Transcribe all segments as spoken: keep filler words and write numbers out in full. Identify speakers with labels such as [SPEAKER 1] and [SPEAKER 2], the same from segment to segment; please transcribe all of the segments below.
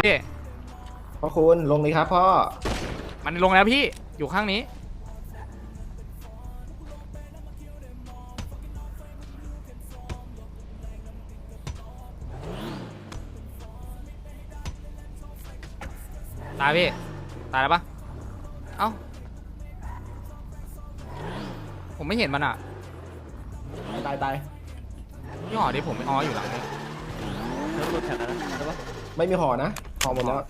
[SPEAKER 1] พี่
[SPEAKER 2] พ่อคุณลงเลยครับพ่อ
[SPEAKER 1] มันลงแล้วพี่อยู่ข้างนี้ตายพี่ตายแล้วปะเอ้าผมไม่เห็นมันอ่ะ
[SPEAKER 2] ตายตาย
[SPEAKER 1] ยี่ห้อนี้ผมไม่อ๋ออยู่หลังนี้
[SPEAKER 3] แล้วรถแข่งนะใช่ปะ
[SPEAKER 2] ไม่มีห่อนะห่อหมดแล้ว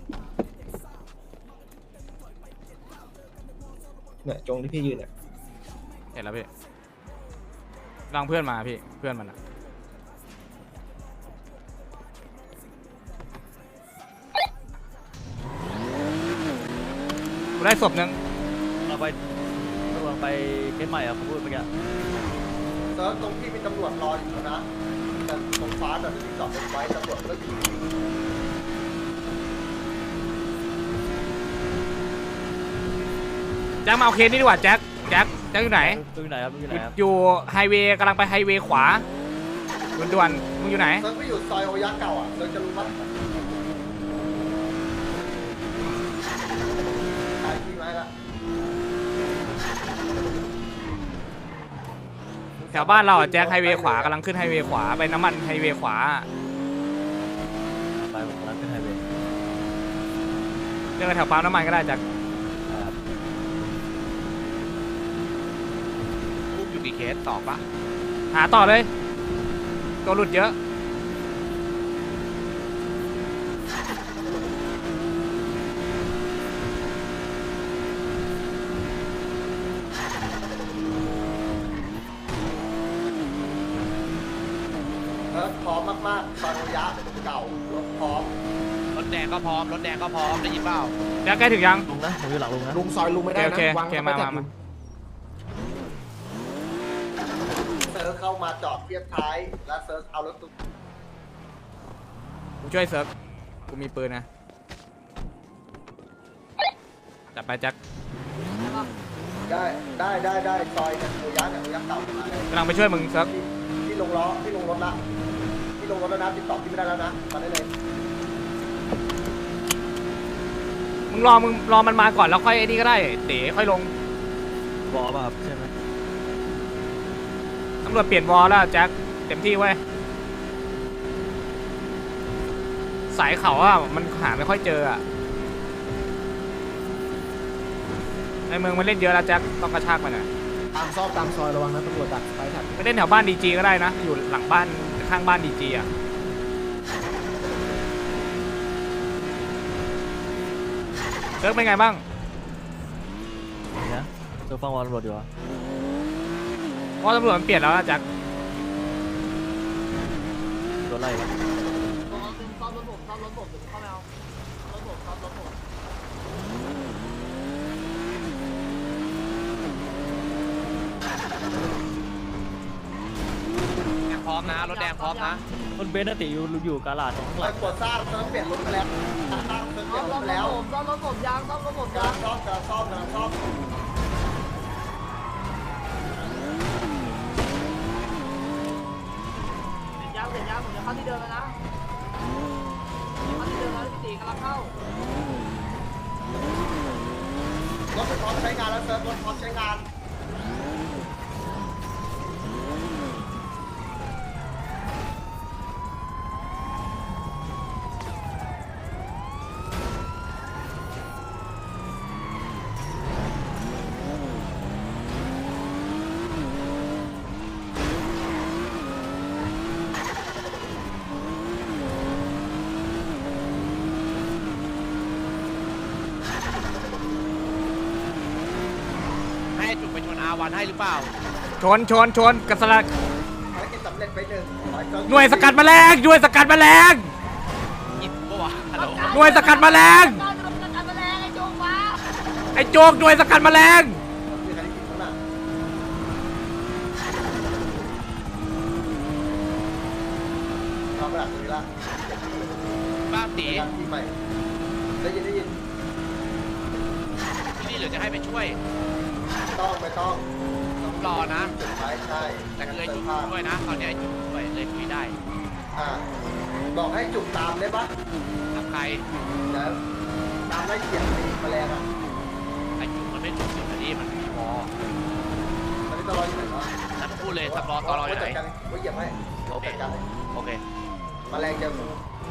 [SPEAKER 2] เนี่ยจงที่พี่ยืนเนี่ย
[SPEAKER 1] เห็นแล้วพี่รังเพื่อนมาพี่เพื่อนมันอ่ะกูได้ศพนึง
[SPEAKER 3] เราไปเราไปเคสใหม่อ่ะผมพูดเมื่อกี้
[SPEAKER 4] เซิร์ฟตรงที่มีตำรวจรออยู่นะแต่ตรงฟ้าแต่ที่จอดรถไว้ตำรวจก็อยู่
[SPEAKER 1] แจ็คมาเอาเคสนี่ดีกว่าแจ็คแจ็คแจ็คอยู่ไหน
[SPEAKER 3] อยู่ไหนครับอยู่ไหนครับ
[SPEAKER 1] อยู่ไฮเวย์กำลังไปไฮเวย์ขวาด่วนๆมึงอยู่ไหน
[SPEAKER 4] เซิร์ฟก็อยู่ซอยโอยะเก่าอ่ะเราจะรู้ว่าขายที่ไว้ละ
[SPEAKER 1] แถวบ้านเราอ่ะแจ็คไฮเวย์ขวากำลังขึ้นไฮเวย์ขวาไปน้ำมันไฮเวย์ขวา
[SPEAKER 3] ไปผมกำลังขึ้นไฮเวย์
[SPEAKER 1] เจอแถวปั๊มน้ำมันก็ได้แจ็ครูปอยู่กี่เคสต่อปะหาต่อเลยตัวหลุดเยอะ
[SPEAKER 4] พร้อมมากๆซอยโอยะเก่ารถพร้อม
[SPEAKER 5] รถแดงก็พร้อมรถแดงก็พร้อมได้ยินเปล่า
[SPEAKER 1] แจ็คใกล้ถึงยัง
[SPEAKER 3] ลุงนะผมอยู่หลังลุงนะ
[SPEAKER 2] ลุงซอยลุงไม่ได้นะวาง
[SPEAKER 1] มา
[SPEAKER 2] ไม่แท็ก
[SPEAKER 4] เซิร์ฟเข้ามาจอดเทียบท้ายแล้วเซิร์ฟเอารถตุ๊ก
[SPEAKER 1] กูช่วยเซิร์ฟกูมีปืนนะจับไปแจ็ค
[SPEAKER 4] ได้ได้ได้ได้ซอยเนี่ยโอยะเนี่ยโอยะเก่ามาก
[SPEAKER 1] ำลังไปช่วยมึงเซิร์ฟ
[SPEAKER 4] ที่ลงล้อที่ลงรถละที่ลงรถแล้วนะติดต่อที่ไม่ได้แล้วนะมาได้เลย
[SPEAKER 1] มึงรอมึงรอมันมาก่อนแล้วค่อยไอ้นี่ก็ได้เดี๋ยวค่อยลง
[SPEAKER 3] วอลป่ะครับใช่ไหม
[SPEAKER 1] ตำรวจเปลี่ยนวอลแล้วแจ็คเต็มที่เว้ยสายเขาอ่ะมันหาไม่ค่อยเจออ่ะในเมืองมันเล่นเยอะแล้วแจ็คต้องกระชากมันอ่ะ
[SPEAKER 2] ตามซอกตามซอยระวังนะตำรวจดักไปถัด
[SPEAKER 1] ไปเล่นแถวบ้านดีจีก็ได้นะอยู่หลังบ้านข้างบ้านดีจีอ่ะเซิร์ฟเป็นไงบ้าง
[SPEAKER 3] เนี่ยจะฟังวอลตำรวจอยู่วะ
[SPEAKER 1] เพราะตำรวจมันเปลี่ยนแล้วนะแจ็ค
[SPEAKER 3] โดนไล่
[SPEAKER 4] ซ่อมรถผมซ่อมรถผมเข้าไปเอารถผมซ่อมรถผม
[SPEAKER 5] พร้อมนะรถแดงพร้อมนะ
[SPEAKER 3] รถเบนซ์ติอยู่อยู่กาลาดข้างหลัง
[SPEAKER 4] ปวดซ่าเซิร์ฟเปลี่ยนรถไปแล้วซ่าเซิร์ฟเปลี่ยนรถไปแล้วซ่อมรถผมยางซ่อมรถผมยางซ่อมกระซ่อมกระซ่อมยางเสร็จยางผมจะเข้าที่เดิมแล้วนะเข้าที่เดิมแล้วที่สี่กำลังเข้ารถพร้อมใช้งานแล้วเซิร์ฟรถพร้อมใช้งาน
[SPEAKER 5] จุดไปชนอาวันให้หรือเปล่า
[SPEAKER 1] ชนชนชนกระสลัก
[SPEAKER 4] ภารกิจสำเร็จไปหนึ่ง
[SPEAKER 1] หน่วยสกัดแมลงหน่วยสกัดแมลง
[SPEAKER 5] ยิบปะวะฮัลโหล
[SPEAKER 1] หน่วยสกัดแมลงไอ้โจกหน่วยสกัดแมลง
[SPEAKER 4] ทำหลักนี้ละ
[SPEAKER 5] บ้าตี
[SPEAKER 4] ได้ยินได้ยิน
[SPEAKER 5] ที่นี่เหลือจะให้ไปช่วย
[SPEAKER 4] ต้องไม่ต้อง
[SPEAKER 5] ต้องรอนะ
[SPEAKER 4] ใช่ใช่
[SPEAKER 5] แต่เลยจุดด้วยนะตอนนี้จุดด้วยเลยคุยได้
[SPEAKER 4] อ่าบอกให้จุกตามได้ปะ
[SPEAKER 5] ทำใคร
[SPEAKER 4] เดี๋ยวตามไล่เขียนแมลงอ่ะ
[SPEAKER 5] ไอ้จุกมันไม่ถูกจุดอันนี้มันพอ
[SPEAKER 4] ตอนนี้ตลอดอยู่ไหนวะ
[SPEAKER 5] นั่นพูดเลยสำรองตลอดอยู่ไหน
[SPEAKER 4] จัดการไว้เหยียบให้
[SPEAKER 5] โอเค
[SPEAKER 4] จัดการเลย
[SPEAKER 5] โอเค
[SPEAKER 4] แมลงเจอกู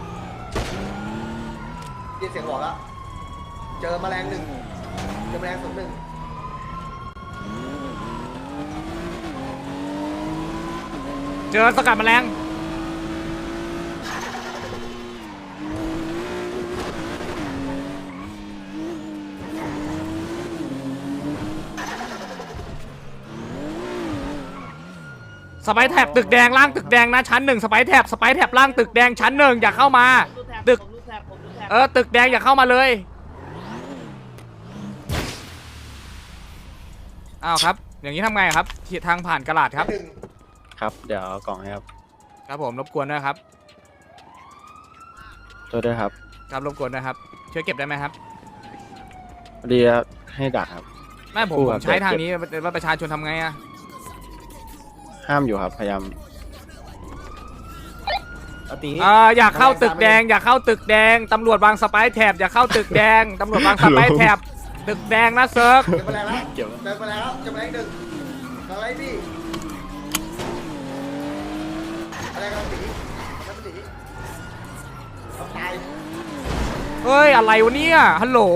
[SPEAKER 4] ยินเสียงบอกแล้วเจอแมลงหนึ่งเจอแมลงศูนย์หนึ่ง
[SPEAKER 1] เจอสกัดแมลงสไปร์แท็บตึกแดงล่างตึกแดงนะชั้นหนึ่งสไปร์แท็บสไปร์แท็บล่างตึกแดงชั้นหนึ่งอย่าเข้ามาตึกเออตึกแดงอย่าเข้ามาเลยอ้าวครับอย่างนี้ทำไงครับทางผ่านกระดาษครับ
[SPEAKER 4] หนึ่ง
[SPEAKER 6] ครับเดี๋ยวเอากล่องให้ครับ
[SPEAKER 1] ครับผมรบกวนด้วยครับ
[SPEAKER 6] โทษด้วยครับ
[SPEAKER 1] ครับรบกวนนะครับช่วยเก็บได้ไหมครับ
[SPEAKER 6] พอดีให้ดักครับ
[SPEAKER 1] ไม่ผม
[SPEAKER 6] คู่
[SPEAKER 1] ผ
[SPEAKER 6] ครั
[SPEAKER 1] ม
[SPEAKER 6] บ
[SPEAKER 1] ใช้ทางนี้ว่าประชาชนทำไงอะ
[SPEAKER 6] ห้ามอยู่ครับพยายาม
[SPEAKER 2] อาตี
[SPEAKER 1] เอออยากเข้าตึกแดงอยากเข้าตึกแดงตำรวจวางสไปร์แท็บอย่าเข้าตึกแดงตำรวจวางสไปร์แท็บตึกแดงนะเซิร์ฟ
[SPEAKER 4] เจอแมลงแล้ว
[SPEAKER 6] เกี่ยว
[SPEAKER 4] เจอแมลงแล้วเจอแมลงหนึ่งอะไรพี่อะไรกันสีอะไรกันสีทำตาย
[SPEAKER 1] เฮ้ยอะไรวะเนี่ยฮัลโหล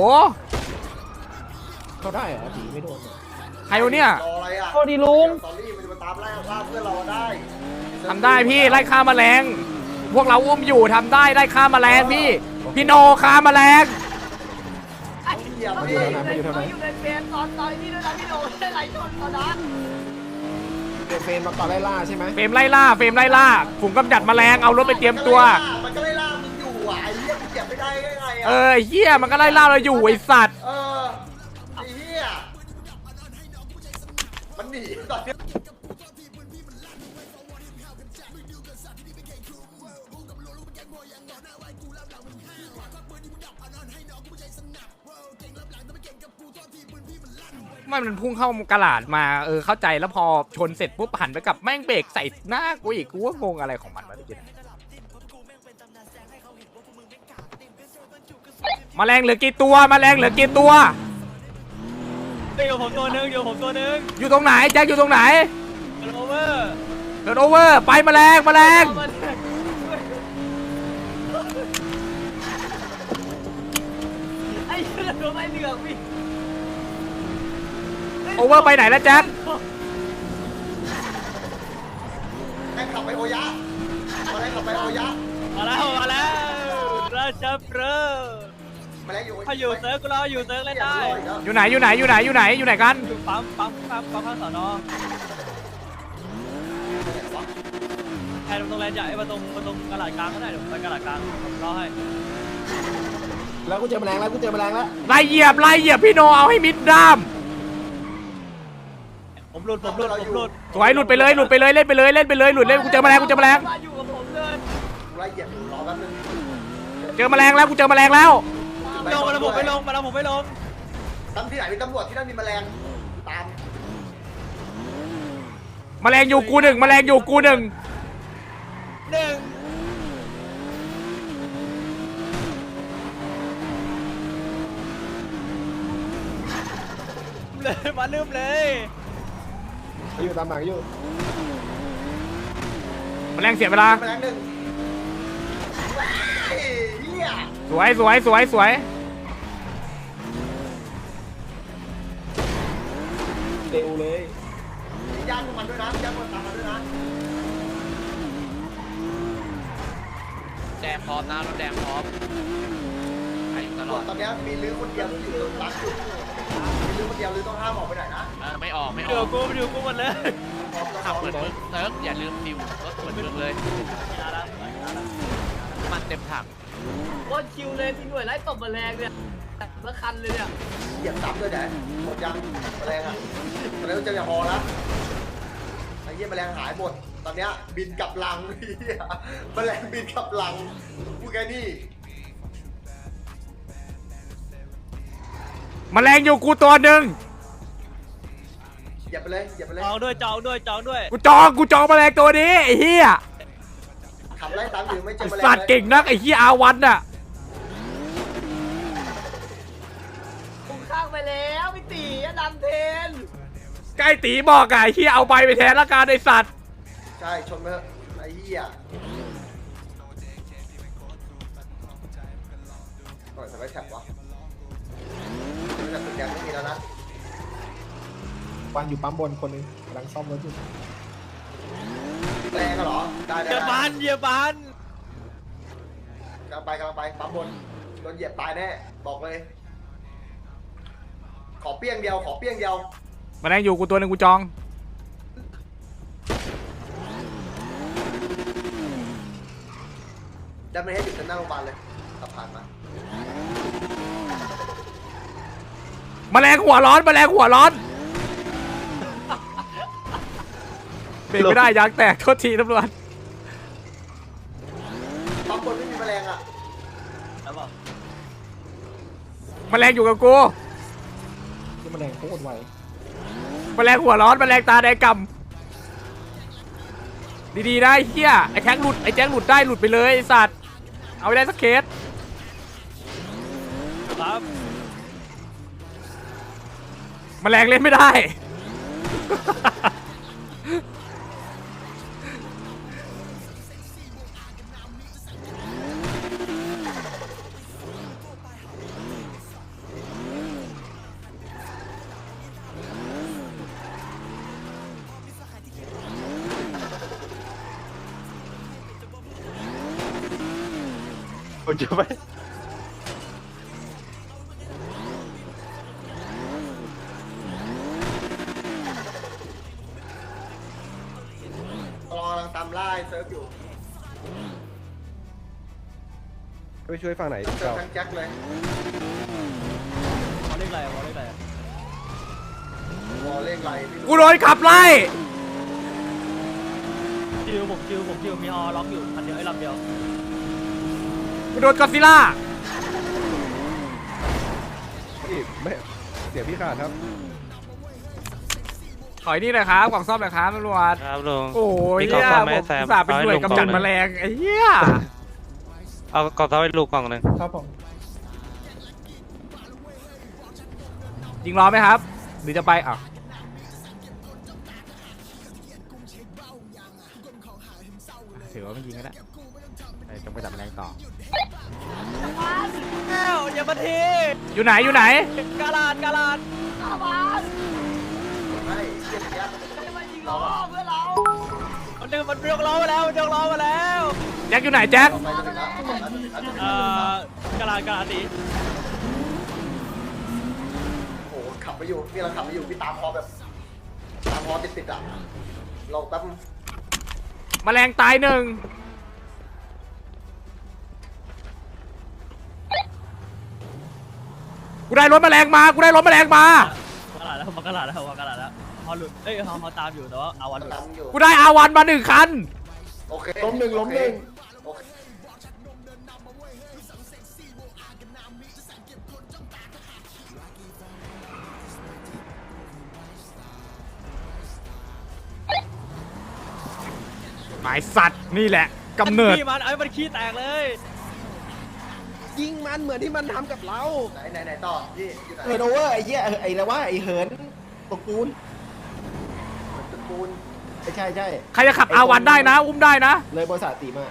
[SPEAKER 2] เขาได้เหรออาตีไม่โดนเหรอ
[SPEAKER 1] ใครวะเนี่ย
[SPEAKER 4] รออะไรอ่ะ
[SPEAKER 1] สวัสดีลุง
[SPEAKER 4] ตอนนี้มันจะมาตามไล่ล่าเพื่อนเราได้
[SPEAKER 1] ทำได้พี่ไล่ฆ่าแมลงพวกเราอุ้มอยู่ทำได้ไล่ฆ่าแมลงพี่พี่โนฆ่าแมลง
[SPEAKER 4] เหยียบ
[SPEAKER 2] อ
[SPEAKER 4] พี่
[SPEAKER 2] ยู่แถวไหนมันอยู่แถวไหน
[SPEAKER 7] อยู่ในเฟรมตอนตอนนี้ด้วยนะพี่โดนได้ไหลชนตอนนั้น
[SPEAKER 2] เป็นเฟรมมาก่อนไล่ล่าใช่ไหม
[SPEAKER 1] เฟรมไล่ล่าเฟรมไล่ล่าฝูงกำจัดแมลงเอารถไปเตรียมตัว
[SPEAKER 4] มันก็ไล่ล่ามึงอยู่อ่ะไอ้เหี้ยมึงเหยียบไม่ได้ยังไง
[SPEAKER 1] เอ
[SPEAKER 4] อ่ะ
[SPEAKER 1] อไอ้เฮียมันก็ไล่ล่าเราอยู่ไอสัตว์
[SPEAKER 4] เออไอ้เหี้ยมันหนีตอนเนี้ย
[SPEAKER 1] มันมันพุ่งเข้ากระดาษมาเออเข้าใจแล้วพอชนเสร็จปุ๊บหันไปกับแม่งเบรกใส่หน้ากูอีกกูว่างงอะไรของมันวะพี่แมลงเหลือกี่ตัวแมลงเหลือกี่ตัว
[SPEAKER 3] อยู่ผมตัวหนึงอยู่ผมตัวหนึง
[SPEAKER 1] อยู่ตรงไหนแจ็คอยู่ตรงไหน
[SPEAKER 3] โอเวอร์
[SPEAKER 1] เกิดโอเวอร์ไปแมลงแมลง
[SPEAKER 7] ไอ้เรื่องรถไอ้เหลืองพี่
[SPEAKER 1] โอเวอร์ไปไหนแล้วแจ็ค
[SPEAKER 4] แม่งขับไปโอยะมาแรงขับไปโอยะ
[SPEAKER 3] มาแล้วมาแล้วราชเปรอ
[SPEAKER 4] มาแรงอยู่
[SPEAKER 3] เขาอยู่เซิร์ฟกูรออยู่เซิร์ฟเล่นได้
[SPEAKER 1] อยู่ไหนอยู่ไหนอยู่ไหนอยู่ไหนอยู่ไหนกัน
[SPEAKER 3] อยู่ปั๊มปั๊มปั๊มปั๊มข้างสอนอแทนตรงแลนด์ใหญ่มาตรงมาตรงกระดาษกลางก็ได้เดี๋ยวไปกระดาษกลางผมรอให้
[SPEAKER 2] แล้วกูเจอแมลงแล้วกูเจอแมลงแล้ว
[SPEAKER 1] ไล่เหยียบไล่เหยียบพี่โนเอาให้มิดด้าม
[SPEAKER 3] ผมหลุดผมหลุดผมหลุด
[SPEAKER 1] สวยหลุดไปเลยหลุดไปเลยเล่นไปเลยเล่นไปเลยหลุดเล่นกูเจอแมลงกูเจอแมลง
[SPEAKER 7] มาอยู่กับผมเลย
[SPEAKER 4] ไล่เหยียบอยู่รอแป๊บนึง
[SPEAKER 1] เจอแมลงแล้วกูเจอแมลงแล้ว
[SPEAKER 3] ลงมาแล้วผมไม่ลงมาแล้วผมไม่ลง
[SPEAKER 4] ตำที่ไหนมีตำรวจที่นั่นมีแมลงตาม
[SPEAKER 1] แมลงอยู่กูหนึ่งแมลงอยู่กูหนึ่ง
[SPEAKER 3] หนึ่งเลยมาลืมเลย
[SPEAKER 2] อยู่ตามหลังอยู่
[SPEAKER 1] แมลงเสียเวลา
[SPEAKER 4] แมลงหนึ่งเฮ้ยเหี้ย
[SPEAKER 1] สวยสวยสวยสวย
[SPEAKER 2] เร็วเลย
[SPEAKER 4] มีญาติพวกมันด้วยนะมีญาติพวกมันตามมาด้วยนะ
[SPEAKER 5] แดงพร้อมนะรถแดงพร้อมใครอยู่ตลอด
[SPEAKER 4] ตอนนี้มีลื้อคนเดียวที่อยู่รักอยู่มีลื้อคนเดียวลื้อต้องห้ามออกไปไหนนะ
[SPEAKER 5] เออไม่ออกไม่อ
[SPEAKER 3] เดี๋ย
[SPEAKER 5] อ
[SPEAKER 3] ว
[SPEAKER 5] ก
[SPEAKER 3] กูเดี๋ยวกูหมดเลย
[SPEAKER 5] ขับเหมือนมึงเซิร์ฟอย่าลืมฟิวรถเหมือนมึงเลยมันเต็มถัง
[SPEAKER 7] โคตรชิวเลยพี่หน่วยไล่ตบแมลงเนี่ยละคันเลยเนี่ย
[SPEAKER 4] เหยียบซ้ำด้วยไหนหมดยังแมลงอ่ะตอนนี้เจออย่าพอแล้วไอ้เหี้ยแมลงหายหมดตอนเนี้ยบินกลับลังเหี้ยแมลงบินกลับลังพูดแค่นี้
[SPEAKER 1] แมลงอยู่กูตัวหนึ่ง
[SPEAKER 4] เหยียบไปเลยเหยียบไปเลย
[SPEAKER 3] จองด้วยจองด้วยจองด้วย
[SPEAKER 1] กูจองกูจองแมลงตัวนี้ไอ้เหี้ย
[SPEAKER 4] ขับไล่ตามอยู่ไม่เจอ
[SPEAKER 1] ไอ้
[SPEAKER 4] แมลง
[SPEAKER 1] สัตว์เก่งนักไอ้เหี้ยอาวันน่ะ
[SPEAKER 7] ผมข้างไปแล้วพี่ตีอะดำเทน
[SPEAKER 1] ใกล้ตีบอกอะไอ้เหี้ยเอาใบไปแทนละกันไอ้สัตว์
[SPEAKER 4] ใช่ชนไปเถอะไอ้เหี้ยปล่อยสไปแท็บวะสไปแท็บตึกแดงไม่มีแล้วนะ
[SPEAKER 2] วันอยู่ปั๊มบนคนหนึงกำลังซ่อมรถอยู่
[SPEAKER 4] แรงกันเหรอได้
[SPEAKER 3] เห
[SPEAKER 4] ได้
[SPEAKER 3] ยียบ
[SPEAKER 4] ได้
[SPEAKER 3] บันเหยียบบัน
[SPEAKER 4] กำลังไปกำลังไปปั๊มบนโดนเหยียบตายแน่บอกเลย ขอเปี้ยงเดียวขอเปี้ยงเดียว
[SPEAKER 1] มาแรงอยู่กูตัวหนึ่งกูจอง
[SPEAKER 4] ดันไม่ให้หยุดจนหน้าโรงพยาบาลเลยขับผ่านมา
[SPEAKER 1] แมลงหัวร้อนแมลงหัวร้อนเบรกไม่ได้ยางแตกโทษทีตำรวจ
[SPEAKER 4] ปั๊มบนไม่มีแมลงอ่ะ
[SPEAKER 3] แล้วบอก
[SPEAKER 1] แมลงอยู่กับกู
[SPEAKER 2] ที่แมลงโคตรไว
[SPEAKER 1] แมลงหัวร้อนแมลงตาแดงกำดีๆนะไอ้เหี้ยไอ้แท็กหลุดไอ้แจ็คหลุดได้หลุดไปเลยไอ้สัตว์เอาไปได้สักเคส
[SPEAKER 3] ครับ
[SPEAKER 1] แมลงเล่นไม่ได้
[SPEAKER 6] ผมจะไป
[SPEAKER 4] รอกำลังตามล่าเซิร์ฟอยู่
[SPEAKER 8] ไปช่วยฝั่งไหน
[SPEAKER 4] เจอทั้งแจ็คเลย
[SPEAKER 3] วอลเล็กอะไรวอลเล็กอะไร
[SPEAKER 4] วอลเลขไรไม่รู้
[SPEAKER 1] กูโดนขับไล่
[SPEAKER 3] คิวผมคิวผมคิวมีฮอล็อกอยู่คันเดียวไอ้ลำเดียว
[SPEAKER 1] กูโดนกอดซิลล่า
[SPEAKER 8] พี่ไม่เสียงพี่ขาดครับ
[SPEAKER 1] ถอยนี่เลยครับกล่องซ่อมเลยครับตำรวจ
[SPEAKER 5] ครับลุง
[SPEAKER 1] โอ้ย
[SPEAKER 5] มีกล่อง
[SPEAKER 1] เหี้ย
[SPEAKER 5] ซ่อมไหม
[SPEAKER 1] ผม
[SPEAKER 5] แซม
[SPEAKER 1] อุตส่าห์เป็นหน่วย
[SPEAKER 5] เอาให้ลุง
[SPEAKER 1] กำจัด
[SPEAKER 5] กล่องหนึ่ง
[SPEAKER 1] แมลงไอ้เหี้ย
[SPEAKER 5] เอากล่องเท้าให้ลูกกล่องหนึ่ง
[SPEAKER 2] ครับผม
[SPEAKER 1] ยิงล้อไหมครับ หรือจะไปอ่ะถือว่าไม่ยิงก็ได้ไปจงไปจับแมลงต่อ
[SPEAKER 3] แล้วอย่ามาที
[SPEAKER 1] อยู่ไหนอยู่ไหน
[SPEAKER 3] กาลาดกาลาด
[SPEAKER 7] อาบาน
[SPEAKER 4] ไม่เหี้ยแจ็ค
[SPEAKER 7] จะมายิงล้อเพื่อนเรา
[SPEAKER 3] มันดึงมันยกล้อมาแล้วมันยกล้อมาแล้ว
[SPEAKER 1] แจ็คอยู่ไหนแจ็ค
[SPEAKER 4] เราไปจะถึงแล้วจะถึงแล้วจะถึงแล้วจะถึง
[SPEAKER 3] เอ่
[SPEAKER 4] แล้ว
[SPEAKER 3] อกาลาดกาลาดตี
[SPEAKER 4] โอ้โหขับไปอยู่นี่เราขับไปอยู่พี่ตามพอแบบตามพอติดติดๆอ่ะลองแป๊บ
[SPEAKER 1] แมลงตายหนึ่งกูได้รถแมลงมากูได้รถแมลงมา
[SPEAKER 3] กาลาดแล้วมากาลาดแล้วมากาลาดแล้วฮอหลุดเอ้ยฮอฮอตามอยู่แต่ว่าอาวันหลุด
[SPEAKER 4] ตามอยู่
[SPEAKER 1] กูได้อาวันมาหนึ่งคัน
[SPEAKER 4] โอเค
[SPEAKER 2] ล้มหนึ่งล้มหนึ่ง
[SPEAKER 4] โอเค
[SPEAKER 1] หมายสัตว์นี่แหละกำเนิด
[SPEAKER 3] ขี้มันไอ้มันขี้แตกเลย
[SPEAKER 8] ยิงมันเหมือนที่มันทำกับเรา
[SPEAKER 4] ไหนไหนไหนต่อพี่อยู่ไหน
[SPEAKER 2] เฮิร์นโอเวอร์ไอ้เหี้ยไอ้อะไรวะไอ้เหินตกปูน
[SPEAKER 4] ตระกูล
[SPEAKER 2] ไอ้ใช่ใช่
[SPEAKER 1] ใครจะขับอาวันได้นะ อุ้มได้นะ
[SPEAKER 2] เลยบริษัทตีมา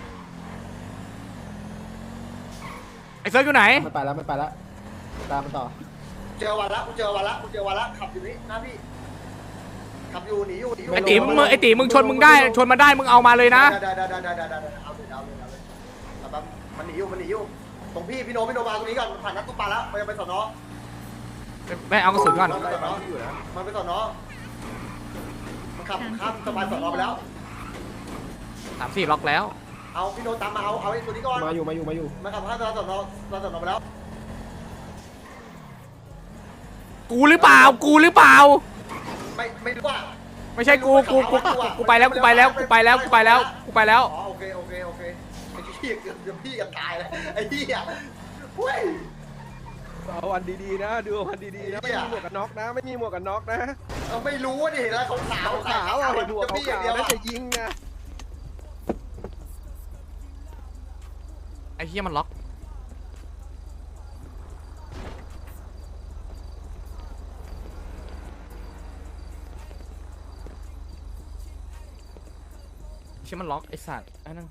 [SPEAKER 1] ไอ้เซิร์ฟอยู่ไหน
[SPEAKER 2] มันไปแล้วมันไปแล้วตามมันต่อ
[SPEAKER 4] เจอวันละกูเจอวันละกูเจอวันละขับอยู่นี่หน้าพี่ขับอยู่หนีอยู่หนีอยู่
[SPEAKER 1] ไอ้ตีมึงไอ้ตีมึงชนมึงได้ชนมาได้มึงเอามาเลยนะ
[SPEAKER 4] ได้ได้ได้ได้ได้ได้ได้เอาเลยเอาเลยเอาเลยแต่แบบมันหนีอยู่มันหนีอยู่ตรงพี่พี่โนพี่โนมาตรงนี้ก่อนผ่านนัดตุ๊กปลาแล้วมันจะไปสอนอ
[SPEAKER 1] ไม่เอากระสุนก่อน
[SPEAKER 4] มันไปสอนอมันไปสอนอมันขับข้ามสะพานสอนอไปแล้ว
[SPEAKER 1] สามสี่ล็อกแล้ว
[SPEAKER 4] เอาพี่โนตามมาเอาเอาไอ้ตัวนี้ก่อน
[SPEAKER 2] มาอยู่มาอยู่มาอยู่
[SPEAKER 4] มันขับข้ามสะพานสอนอสะพานสอนอไปแล้ว
[SPEAKER 1] กูหรือเปล่า กูหรือเปล่า
[SPEAKER 4] ไม่ไม่รู้ว่า
[SPEAKER 1] ไม่ใช่กูกูกูกูไปแล้วกูไปแล้วกูไปแล้วกูไปแล้วกูไปแล้ว
[SPEAKER 4] อ๋อโอเคโอเคโอเคไอ้พี่เกือบเกือบพี่กับตายแล้วไอ้พี่อ่ะเฮ้ย
[SPEAKER 8] เอาวันดีๆนะ ดูวันดีๆนะ ไม่มีหมวกกันน็อกนะ ไม่มีหมวกกันน็อกนะ
[SPEAKER 4] เราไม่รู้ว่าดิแล้วขาวขาว
[SPEAKER 8] ขาวๆเอาเห็นหมวก
[SPEAKER 4] พี่อ
[SPEAKER 8] ขา
[SPEAKER 4] ย่าง
[SPEAKER 8] ว
[SPEAKER 4] เดียว
[SPEAKER 8] ๆแล้วจะยิงนะ
[SPEAKER 1] ไอ้เหี้ยมันล็อกเชี่ยมันล็อกไอ้สัตว์ไอ้นั่น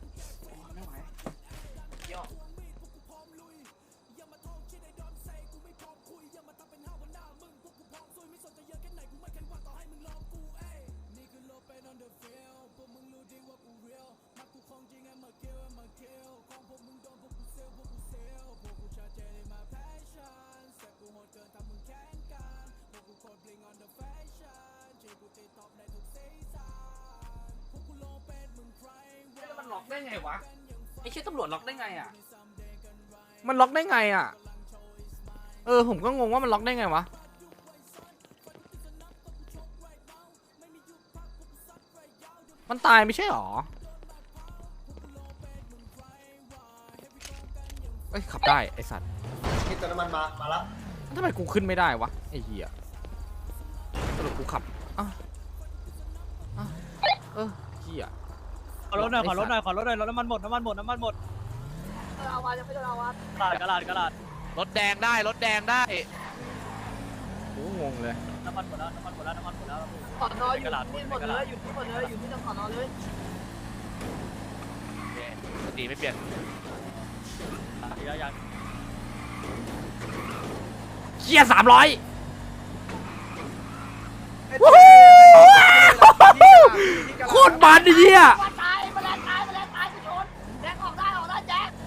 [SPEAKER 7] มันล็อกได้ไงวะไอ้เชี่ยตำรวจล็อกได้ไงอ่ะ
[SPEAKER 1] มันล็อกได้ไงอ่ะเออผมก็งงว่ามันล็อกได้ไงวะมันตายไม่ใช่หรอเอ้ยขับได้ไอสัตว์
[SPEAKER 4] กินเติมน้ำมันมามาแล้ว
[SPEAKER 1] ทำไมกูขึ้นไม่ได้วะไอเหี้ยสรุปกูขับอ่ะอ่ะเออเหี้ย
[SPEAKER 3] ขอรถหน่อยขอรถหน่อยขอรถหน่อยรถน้ำมันหมดน้ำมันหมดน้ำมันหมด
[SPEAKER 7] เออเอาวะยังไม่โดนเอาวะ
[SPEAKER 3] กระดาษกระดาษกระดาษ
[SPEAKER 5] รถแดงได้รถแดงได้
[SPEAKER 1] กูงงเลย
[SPEAKER 3] น้ำมันหมดแล้วน้ำมันหมดแล้วน้ำมันหมดแล้ว
[SPEAKER 7] สอนออยู่ที่หมดเลยอยู่ที่หมดเลยอยู่ที่สอนอเลย
[SPEAKER 5] สติไม่เปลี่ยน
[SPEAKER 3] ยังยัง
[SPEAKER 1] เหี้ยสามร้อยโคตรมันไอ้เหี้ย
[SPEAKER 7] ว่าตายมาแล้วตายมาแล้วตายไปชนแจ็คออกได้ออกได้แจ็ค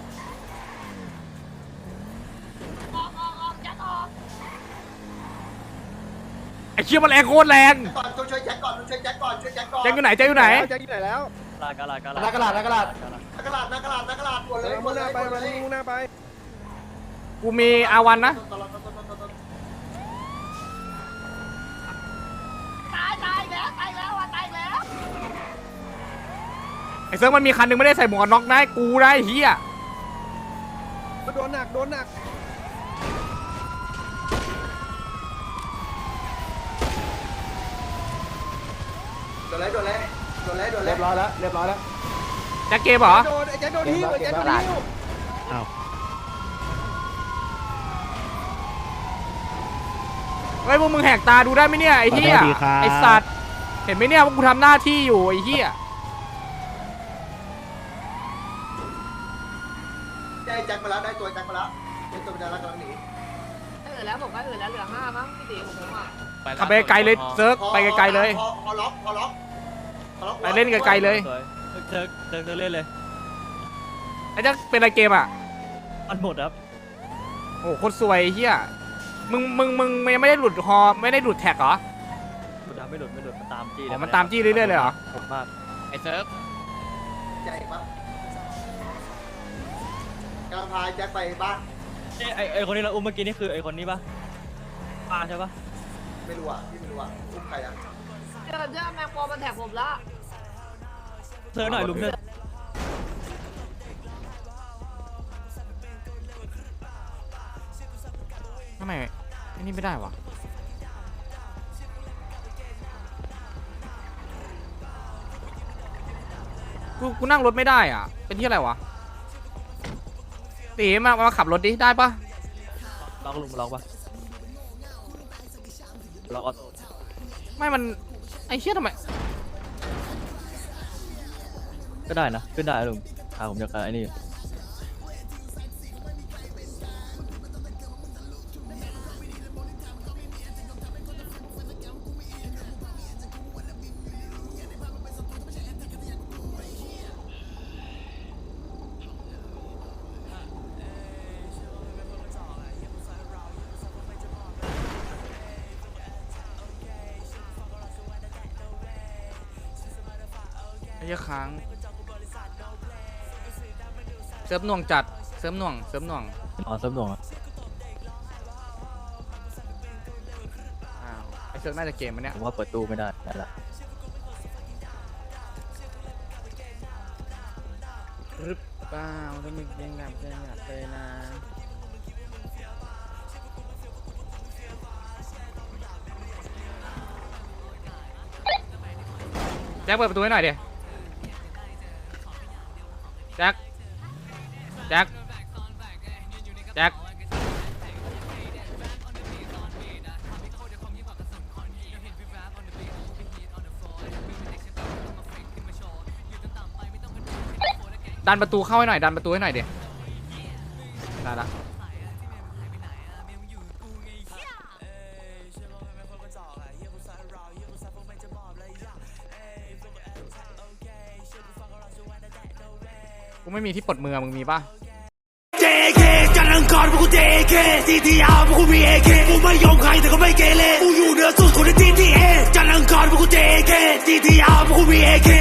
[SPEAKER 7] ออกออกออกแจ็คออก
[SPEAKER 1] ไอ้เชี่ยมันแรงโคตรแรง
[SPEAKER 4] ก่อนช่วยแจ็คก่อนช่วยแจ็คก่อนช่วยแจ็คก่อน
[SPEAKER 1] แจ็คอยู่ไหนแจ็คอยู่ไหน
[SPEAKER 8] แจ็คอยู่ไหนแล้ว
[SPEAKER 3] กระดาษกระดาษ
[SPEAKER 2] นักกระดาษนักกระดาษ
[SPEAKER 4] นักกระดาษนักกระดาษนักกระดาษหมดเลย
[SPEAKER 8] มุ่งหน้าไปมันมุ่งหน้าไป
[SPEAKER 1] กูมีอาวันนะ
[SPEAKER 7] ตายตายแล้วตายแล้วว่ะตายแล้ว
[SPEAKER 1] ไอ้เซิร์ฟมันมีคันหนึงไม่ได้ใส่หมวกกันน็อกนะกูได้เฮีย
[SPEAKER 8] โดนหนักโดนหนัก
[SPEAKER 4] โดนเลยโดนเลยโดนเลยโดนเล
[SPEAKER 2] เรี
[SPEAKER 4] ย
[SPEAKER 2] ยบร้อยแล้วเรียบร้อยแล้ว
[SPEAKER 1] แจ็คเกมเหรอ
[SPEAKER 8] โดนไอ้แจ็คโดนหิ้วไอ้แจ็คโดนหิ้ว
[SPEAKER 1] เฮ้ยพวกมึงแหกตาดูได้ไหมเนี่ยไอ้เฮียไอ้สัตว์เห็นไหมเนี่ยว่ากูทำหน้าที่อยู่ไอ้เฮีย
[SPEAKER 4] ได้แจ็คมาแล้วได้ตัวแจ็คมาแล้วเป็นตัวเป็นดาราตอนนี้
[SPEAKER 7] เออแล้วผมก็เออแล้วเหลือห้ามั้งพี่ตีของผมอ่ะ
[SPEAKER 1] ขับไปไกลเลยเซิร์ฟไปไกลๆเลย
[SPEAKER 4] พอพอล็อกพอล็อกพอล็อก
[SPEAKER 1] ไปเล่นไกลๆเลย
[SPEAKER 3] สวยเธอเธอเธอเล่นเลย
[SPEAKER 1] ไอ้แจ็คเป็นอะไรเกมอ่ะ
[SPEAKER 3] มันหมดครับ
[SPEAKER 1] โอ้โหโคตรสวยไอ้เฮียมึงมึงมึงยังไม่ได้หลุดฮอไม่ได้หลุดแท็กเหรอ
[SPEAKER 3] ไม่หลุดไม่หลุดไม่หลุดมันตามจี้
[SPEAKER 1] อ๋อมันตามจี้เรื่อยๆเลยเหรอ
[SPEAKER 3] ผมมาก
[SPEAKER 5] ไอ้เซิร์ฟ
[SPEAKER 4] ใหญ่ปะกำลังพาแจ็คไปบ้าน
[SPEAKER 3] ไอ้ไอ้คนนี้เราอุ้มเมื่อกี้นี่คือไอ้คนนี้ปะป้าใช่ปะ
[SPEAKER 4] ไม่รู้อ่ะพี่ไม่รู้อ่ะอุ้มใครอ่ะ
[SPEAKER 7] เจอเจอแมงปอมันแท็กผมละ
[SPEAKER 3] เธอหน่อยลุงเธอ
[SPEAKER 1] ทำไมไอ้นี่ไม่ได้วะกูกูนั่งรถไม่ได้อ่ะเป็นที่อะไรวะตีมามาขับรถดิได้ปะ
[SPEAKER 3] ล็อกลุงล็อกปะล็อกออโต้
[SPEAKER 1] ไม่มันไอ้เชี่ยทำไม
[SPEAKER 3] ก็ได้นะขึ้นได้ลุงขาผมจะไอ้นี่
[SPEAKER 1] ไอ้เหี้ยค้างเซิร์ฟหน่วงจัดเซิร์ฟหน่วงเซิร์ฟหน่วง
[SPEAKER 3] อ๋อเซิร์ฟหน่วงอะ
[SPEAKER 1] อ้าวไอ้เซิร์ฟน่าจะเกมมันเนี้ย
[SPEAKER 3] ผมว่าเปิดตู้ไม่ได้ได้ละ
[SPEAKER 1] หรือเปล่าถ้ามึงยังหลับยังหลับเลยนะแจ็คเปิดประตูให้หน่อยดิแจ็คแจ็คแจ็คดันประตูเข้าให้หน่อยดันประตูให้หน่อยเดี๋ยวได้ละกูไม่มีที่ปลดมือมึงมีป่ะ
[SPEAKER 9] เจ เค จันทร์อังคารพวกกู เจ เค ที ที อาร์ พวกกู มี เอ เค กูไม่ยอมใครแต่ก็ไม่เกเรกูอยู่เหนือสุดคนใน ที ที เอ จันทร์อังคารพวกกู เจ เค ที ที อาร์ พวกกู มี เอ เค